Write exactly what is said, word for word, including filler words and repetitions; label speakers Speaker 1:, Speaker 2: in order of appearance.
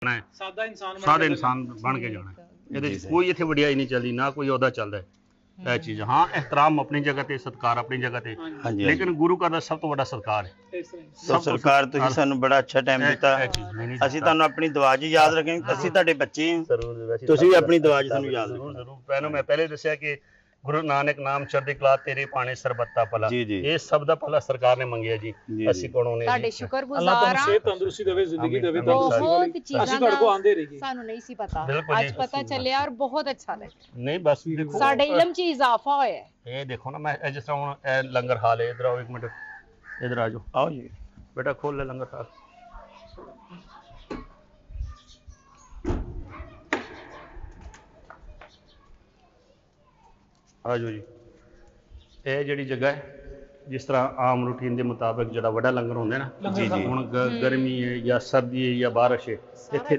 Speaker 1: ਹੈ
Speaker 2: ਸਾਦਾ ਇਨਸਾਨ ਬਣ
Speaker 1: ਸਾਦਾ
Speaker 2: ਕੇ
Speaker 1: ਇਨਸਾਨ ਬਣ ਕੇ ਜਾਣਾ ਹੈ। ਇਹਦੇ
Speaker 3: ਜੀ
Speaker 1: ਚ
Speaker 3: ਸਰ।
Speaker 1: ਕੋਈ ਇੱਥੇ ਵਡਿਆਈ ਨਹੀਂ ਚੱਲਦੀ, ਨਾ ਕੋਈ ਅਹੁਦਾ ਚੱਲਦਾ ਹੈ। ਇਹ ਚੀਜ਼ ਹਾਂ, ਇਹਤਰਾਮ ਆਪਣੀ ਜਗ੍ਹਾ ਤੇ, ਸਤਿਕਾਰ ਆਪਣੀ ਜਗ੍ਹਾ ਤੇ,
Speaker 3: ਹਾਂਜੀ
Speaker 1: ਲੇਕਿਨ ਗੁਰੂ ਘਰ ਦਾ ਸਭ ਤੋਂ ਵੱਡਾ ਸਤਿਕਾਰ ਹੈ।
Speaker 2: ਇਸ ਤਰ੍ਹਾਂ ਹੀ।
Speaker 3: ਸੋ ਸਰਕਾਰ ਤੁਸੀਂ ਸਾਨੂੰ ਬੜਾ ਅੱਛਾ ਟਾਈਮ ਦਿੱਤਾ।
Speaker 1: ਇਹ ਚੀਜ਼ ਨਹੀਂ
Speaker 3: ਅਸੀਂ ਤੁਹਾਨੂੰ ਆਪਣੀ ਦੁਆ 'ਚ ਯਾਦ ਰੱਖਾਂਗੇ। ਅਸੀਂ ਤੁਹਾਡੇ ਬੱਚੇ ਹਾਂ, ਤੁਸੀਂ ਵੀ ਆਪਣੀ ਦੁਆ 'ਚ ਸਾਨੂੰ ਯਾਦ
Speaker 1: ਜ਼ਰੂਰ
Speaker 3: ਰੱਖਣਾ।
Speaker 1: ਜ਼ਰੂਰ ਪਹਿਲਾਂ ਮੈਂ ਪਹਿਲੇ ਦੱਸਿਆ ਕਿ ਗੁਰੂ ਨਾਨਕ ਨਾਮ ਚੜ੍ਹਦੀ ਕਲਾ ਤੇਰੇ ਪਾਣੇ ਸਰਬੱਤਾ ਭਲਾ,
Speaker 3: ਜੀ, ਜੀ।
Speaker 1: ਇਹ ਸਭ ਦਾ ਭਲਾ ਸਰਕਾਰ ਨੇ ਮੰਗਿਆ ਜੀ।
Speaker 3: ਜੀ,
Speaker 1: ਅਸੀਂ
Speaker 3: ਜੀ।
Speaker 1: ਕੋਲੋਂ ਨੇ
Speaker 4: ਤੁਹਾਡੇ
Speaker 1: ਜੀ।
Speaker 2: ਅੱਲਾਹ
Speaker 4: ਸ਼ੁਕਰਗੁਜ਼ਾਰ
Speaker 2: ਤੁਹਾਨੂੰ
Speaker 4: ਆ।
Speaker 2: ਸਿਹਤ ਤੰਦਰੁਸਤੀ ਦੇਵੇ, ਜ਼ਿੰਦਗੀ
Speaker 1: ਆਮੀਨ,
Speaker 2: ਦੇਵੇ
Speaker 1: ਆਮੀਨ।
Speaker 2: ਤੰਦਰੁਸਤੀ
Speaker 4: ਬਹੁਤ
Speaker 2: ਵਾਲੀ।
Speaker 4: ਚੀਜ਼ਾਂ
Speaker 2: ਅਸੀਂ ਤੁਹਾਡੇ ਕੋਲ ਆਉਂਦੇ ਰਹੀਏ।
Speaker 4: ਸਾਨੂੰ ਨਹੀਂ ਸੀ ਪਤਾ,
Speaker 1: ਬਿਲਕੁਲ
Speaker 4: ਅੱਜ
Speaker 1: ਜੀ।
Speaker 4: ਪਤਾ ਚੱਲਿਆ ਔਰ ਬਹੁਤ ਅੱਛਾ ਲੱਗਾ।
Speaker 1: ਨਹੀਂ ਬਸ ਦੇਖੋ
Speaker 4: ਸਾਡੇ ਇਲਮ 'ਚ ਇਜ਼ਾਫਾ ਹੋਇਆ ਹੈ।
Speaker 1: ਇਹ ਦੇਖੋ ਨਾ, ਮੈਂ ਇਹ ਜਿਸ ਤਰ੍ਹਾਂ ਹੁਣ ਇਹ ਲੰਗਰ ਹਾਲ ਹੈ, ਇਧਰ ਆਓ ਇੱਕ ਮਿੰਟ, ਇਧਰ ਆ ਜਾਓ
Speaker 3: ਆਓ ਜੀ।
Speaker 1: ਬੇਟਾ, ਖੋਲ ਲੈ ਲੰਗਰ ਹਾਲ। ਆ ਜਾਓ ਜੀ। ਇਹ ਜਿਹੜੀ ਜਗ੍ਹਾ ਹੈ, ਜਿਸ ਤਰ੍ਹਾਂ ਆਮ ਰੂਟੀਨ ਦੇ ਮੁਤਾਬਕ ਜਿਹੜਾ ਵੱਡਾ ਲੰਗਰ ਹੁੰਦਾ ਹੈ ਨਾ,
Speaker 3: ਜੀ, ਜੀ।
Speaker 1: ਹੁਣ ਗ- ਗਰਮੀ ਹੈ ਜਾਂ ਸਰਦੀ ਹੈ ਜਾਂ ਬਾਰਿਸ਼ ਹੈ, ਇੱਥੇ